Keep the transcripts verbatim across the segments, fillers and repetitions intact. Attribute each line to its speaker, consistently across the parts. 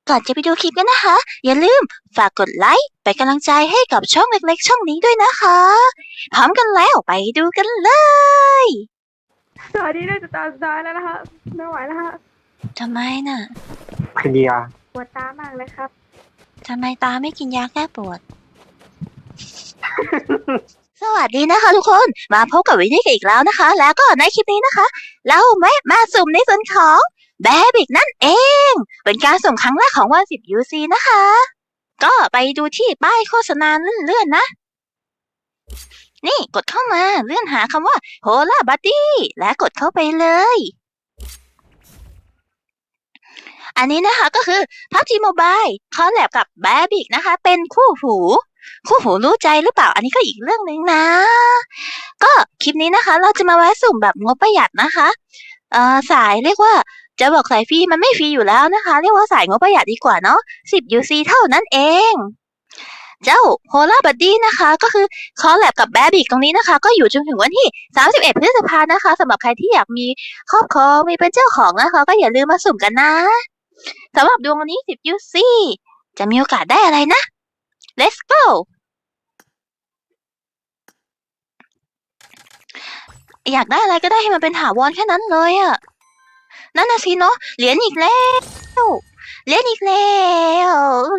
Speaker 1: ก่อนจะไปดูคลิปกันนะคะอย่าลืมฝากกดไลค์เป็นกำลังใจให้กับช่องเล็กๆช่องนี้ด้วยนะคะพร้อมกันแล้วไปดูกันเลย
Speaker 2: สวัสดีด้วยจะตาสุดท้ายแล้วนะคะไม่ไหวแล้วค่ะ
Speaker 1: ทำไมน่ะ
Speaker 3: กินยา
Speaker 2: ปวดตามากเลยครับ
Speaker 1: ทำไมตาไม่กินยาแก้ปวด สวัสดีนะคะทุกคนมาพบกับวินนี่กันอีกแล้วนะคะแล้วก็ในคลิปนี้นะคะเราแวะมาสุ่มในส่วนของแบบิกนั่นเองเป็นการสุ่มครั้งแรกของวันสิบ ยู ซี นะคะก็ไปดูที่ป้ายโฆษณาเลื่อนๆนะนี่กดเข้ามาเลื่อนหาคำว่า Hola Buddy และกดเข้าไปเลยอันนี้นะคะก็คือ พับจี Mobile คอลแลบกับแบบิกนะคะเป็นคู่หูคู่หูรู้ใจหรือเปล่าอันนี้ก็อีกเรื่องนึงนะก็คลิปนี้นะคะเราจะมาแวะสุ่มแบบงบประหยัดนะคะเอ่อสายเรียกว่าจะบอกสายฟรีมันไม่ฟรีอยู่แล้วนะคะเรียกว่าสายงบประหยัดดีกว่าเนาะสิบ ยู ซี เท่านั้นเองเจ้า Hola Buddy นะคะก็คือคอลแลบกับแบบิกตรงนี้นะคะก็อยู่จนถึงวันที่สามสิบเอ็ดพฤษภาคมนะคะสำหรับใครที่อยากมีครอบครองมีเป็นเจ้าของนะคะก็อย่าลืมมาสุ่มกันนะสำหรับดวงวันนี้สิบ ยู ซี จะมีโอกาสได้อะไรนะ Let's go อยากได้อะไรก็ได้ให้มันเป็นถาวรแค่นั้นเลยอะนั่นน่ะสิเนาะเหรียญอีกแล้วเหรียญอีกแล้ว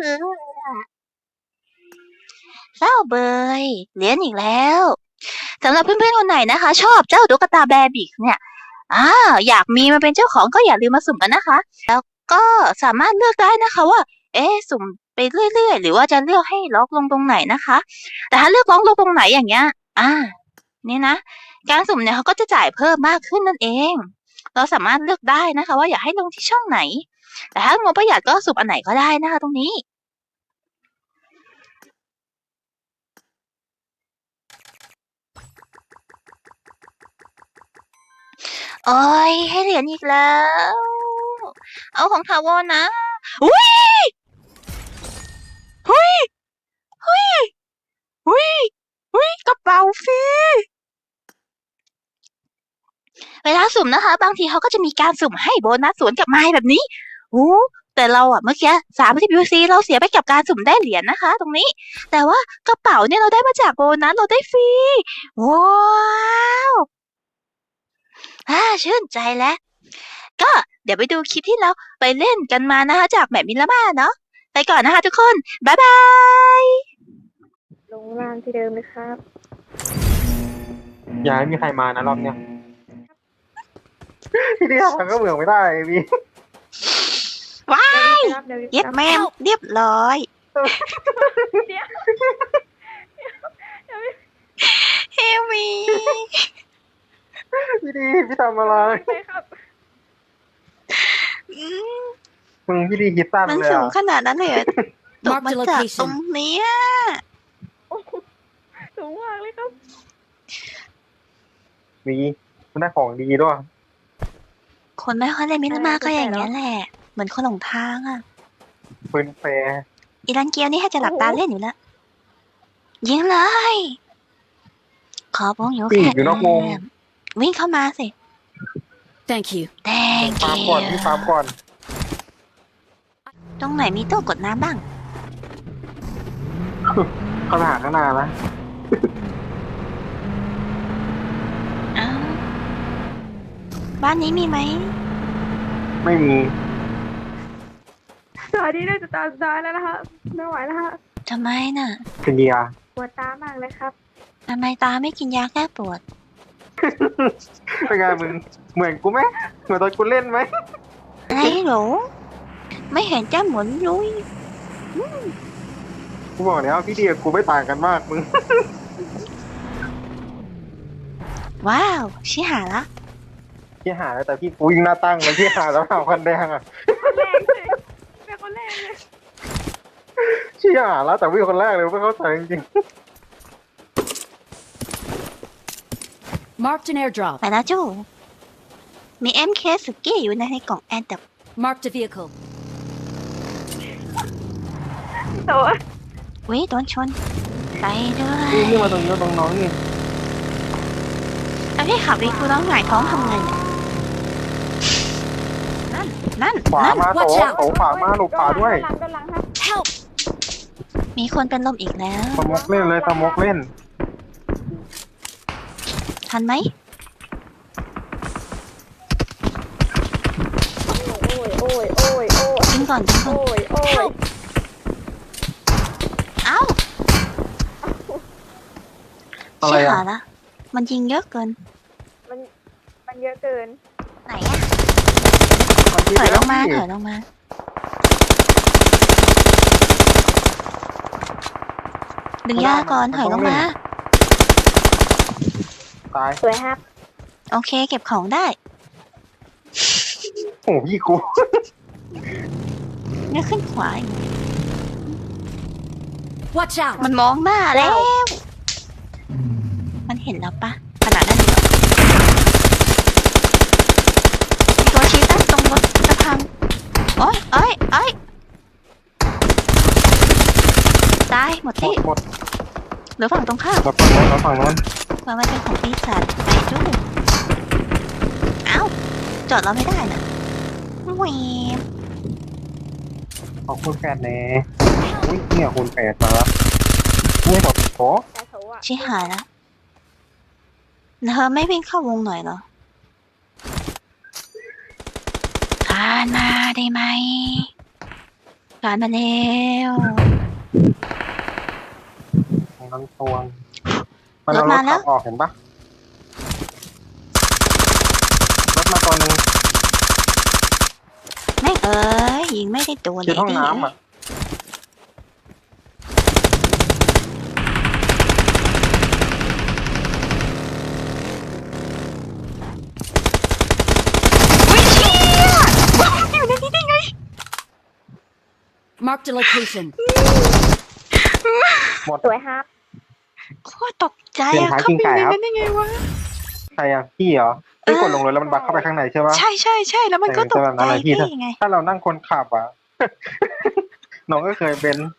Speaker 1: เศร้าเบยเหรียญอีกแล้วสำหรับเพื่อนๆคนไหนนะคะชอบเจ้าตุ๊กตาแบบิกเนี่ยอ่าอยากมีมาเป็นเจ้าของก็อย่าลืมมาสุ่มกันนะคะแล้วก็สามารถเลือกได้นะคะว่าเอ๊ะสุ่มไปเรื่อยๆหรือว่าจะเลือกให้ล็อกลงตรงไหนนะคะแต่ถ้าเลือกล็อกลงตรงไหนอย่างเงี้ยอ่านี่นะการสุ่มเนี่ยเขาก็จะจ่ายเพิ่มมากขึ้นนั่นเองเราสามารถเลือกได้นะคะว่าอยากให้ลงที่ช่องไหนแต่ถ้างบประหยัดก็สุ่มอันไหนก็ได้นะคะตรงนี้โอ้ยให้เหรียญอีกแล้วเอาของถาวรนะอุ้ยหุ้ยหุ้ยหุ้ยหุ้ยกระเป๋าฟรีเวลาสุ่มนะคะบางทีเขาก็จะมีการสุ่มให้โบนัสสวนกลับมาแบบนี้โอ้แต่เราอะเมื่อกี้สามสิบ ยู ซี เราเสียไปกับการสุ่มได้เหรียญนะคะ ตรงนี้แต่ว่ากระเป๋าเนี่ยเราได้มาจากโบนัสเราได้ฟรีว้าวอ่าชื่นใจแล้วก็เดี๋ยวไปดูคลิปที่เราไปเล่นกันมานะคะจากแบบมิลาม่าเนาะไปก่อนนะคะทุกคนบ๊ายบาย
Speaker 2: ลงล่างที่เดิมเลยครับ
Speaker 3: อย่าให้มีใครมานะรอบเนี้ยพี่เดียวมันก็เบื่อไม่ได้พี่
Speaker 1: ว้ายเย็บแม่เรียบร้อยเฮมี
Speaker 3: พี่ดีพี่ทำอะไรมึงพี่ดีคิดสั้นเลยมัน
Speaker 1: สูงขนาดนั้นเลยตกมาจากตรงนี้
Speaker 2: สูงมากเลยครับ
Speaker 3: มีมันได้ของดีด้วย
Speaker 1: คนไม่ค่อยเล่นมิลาม่าก็อย่างนี้แหละเหมือนคนหลงทางอ่ะ
Speaker 3: ปืนแฟร์
Speaker 1: อีรันเกียวนี่ให้จะหลับตาเล่นอยู่แล้วยิงเลยขอบ้องอยู่แค่
Speaker 3: อยู่นอกวง
Speaker 1: วิ่งเข้ามาสิ
Speaker 4: thank you
Speaker 1: thank you
Speaker 3: ตามก่อนพี่ตามก่อน
Speaker 1: ตรงไหนมีตู้กดน้ำบ้าง
Speaker 3: ขนาดขนาดนะ
Speaker 1: บ้านนี้มีไหม
Speaker 3: ไม่มี
Speaker 2: สวัสดีด้วยจะตาสุดท้ายแล้วนะคะไม่ไหวแล้วค่ะ
Speaker 1: ทำไมน่ะ
Speaker 3: กินยา
Speaker 2: ปวดตามากเลยครับ
Speaker 1: ทำไมตาไม่กินยาแก้ปวด
Speaker 3: เป็นไงมึงเหมือนกูไหมเหมือนตอนกูเล่นไหม
Speaker 1: อะไรหรอไม่เห็นจะเหมือนลุย
Speaker 3: กูบอกแล้วพี่ดีกับกูไม่ต่างกันมากมึง
Speaker 1: ว้าวชิหาละ
Speaker 3: พี่หาแต่พี่กูยิงหน้าตั้งเลยพี่หาแล้วหาคันแดงอ่ะ
Speaker 2: คนแรกเลยเป็นคนแรกเลย
Speaker 3: พี่หาแล้วแต่วิ่งคนแรกเลยไม่เข้าใจจริง
Speaker 4: ๆ marked an airdrop
Speaker 1: ไปนะจูมี เอ็ม เค สุกี้อยู่ในกล่องแอนดับ
Speaker 4: marked a vehicle
Speaker 2: ตัว
Speaker 1: วิโดนชนไปด้วย
Speaker 3: นี่มาตรงนี้ตรงน้องนี่
Speaker 1: แล้วพี่ขับวิคูน้องหงายท้องทำไงนั่นนั่น
Speaker 3: ขวา
Speaker 1: นั่น
Speaker 3: มาโถ
Speaker 4: Watch out
Speaker 3: โถขวามาหลบขวาด้วย
Speaker 2: ด้านหลังด้านหลังครับ
Speaker 4: Help!
Speaker 1: มีคนเป็นลมอีกแล้ว
Speaker 3: สมกเล่นเลยสมกเล่น
Speaker 1: ทันไหม
Speaker 2: โอ้ยโอ้ยโอ้ยโอ้ย
Speaker 1: ยิงก่อนยิงก่อน
Speaker 2: โอ้ยโอ้ย
Speaker 4: Help!
Speaker 1: เอ้า
Speaker 3: อะไร
Speaker 1: ชิ
Speaker 3: อ่ะ
Speaker 1: หาละมันยิงเยอะเกิน
Speaker 2: มันมันเยอะเกิน
Speaker 1: ไหนอะ
Speaker 3: มันยิ
Speaker 1: ถอยลงมา
Speaker 3: แล้ว
Speaker 1: ถอยลงมา ดึงยาก่อนถอยลงมา
Speaker 3: ตาย
Speaker 2: สวยครับ
Speaker 1: โอเค เก็บของได้
Speaker 3: โอ้โหพี่กู
Speaker 1: เนี่ยขึ้นขวาอีก
Speaker 4: Watch out!
Speaker 1: มันมองหน้าแล้ว มันเห็นแล้วปะขนาดนั้นเลยเหรอมีตัวชี้ตั้งตรงรถจะพังโอ้ยเอ้ยเอ้ยตายหมด
Speaker 3: หม
Speaker 1: ที่
Speaker 3: ดหมด
Speaker 1: เหลือฝั่งตรงข้าม
Speaker 3: เราฝั่งโน้นเราฝั่งโน้น
Speaker 1: ว่ามันเป็นของปีศาจไปดูเอ้า จอดเราไม่ได้นะแหวม
Speaker 3: ขอบคุณแฟนแน่อุ้ยเนี่ยคุณแปดมาแล้วนี่แบบโอ้
Speaker 2: แต่โถอ่ะ
Speaker 1: ชิหายแล้วเธอไม่วิ่งเข้าวงหน่อยเหรอคานมาได้ไหมคานมาแล้ว
Speaker 3: ของนั้นตวงมันเอารถขับออกเห็นปะรถมาตัวหนึ่ง
Speaker 1: แม่งเอ้ยยิงไม่ได้ตัวเล
Speaker 3: ที่
Speaker 1: ย
Speaker 3: ห้อง
Speaker 1: ดิ
Speaker 3: น้ำอ่ะ
Speaker 1: อุ้ยเชี่ยอยู่ในนี้ได้ไง
Speaker 4: Marked a location.
Speaker 2: สวยครับ
Speaker 1: โคตรตกใจอะเข้าไปในนั้นได้ไงวะ
Speaker 3: ใครอ่ะพี่เหรอพี่กดลงเลยแล้วมันบักเข้าไปข้างในใช่ปะ
Speaker 1: ใช่ใช่ใช่แล้วมันก็ตกใจ
Speaker 3: อะไรพี่
Speaker 1: พี่ไง
Speaker 3: ถ้าเรานั่งคนขับอ่ะ น้องก็เคยเป็น